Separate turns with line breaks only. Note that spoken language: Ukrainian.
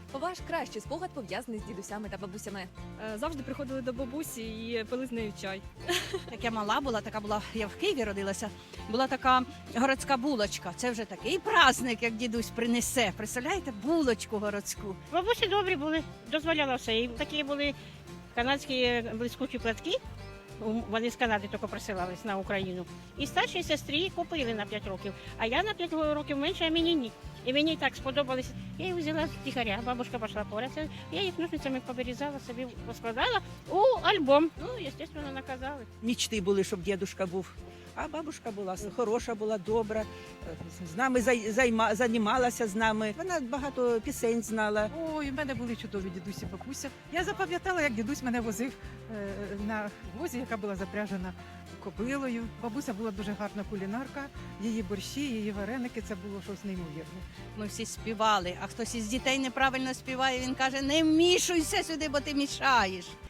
Ваш кращий спогад пов'язаний з дідусями та бабусями.
Завжди приходили до бабусі і пили з нею чай.
Як я мала була, я в Києві родилася, була така городська булочка. Це вже такий праздник, як дідусь принесе. Представляєте, булочку городську.
Бабусі добрі були, дозволяла все. І такі були канадські блискучі платки. Вони з Канади тільки присилались на Україну. І старшій сестрі купили на 5 років. А я на 5 років менше, а мені ні. І мені так сподобалося. Я їх взяла з тихаря, бабушка пішла поряд. Я їх ножницями повирізала, собі поскладала у альбом. Ну, звісно, наказали.
Мічти були, щоб дідушка був. А бабушка була хороша, була добра, з нами займалася з нами. Вона багато пісень знала.
Ой, в мене були чудові дідусі, бабуся. Я запам'ятала, як дідусь мене возив на возі, яка була запряжена кобилою. Бабуся була дуже гарна кулінарка, її борщі, її вареники, це було щось неймовірне.
Ми всі співали, а хтось із дітей неправильно співає, він каже, не вмішуйся сюди, бо ти мішаєш.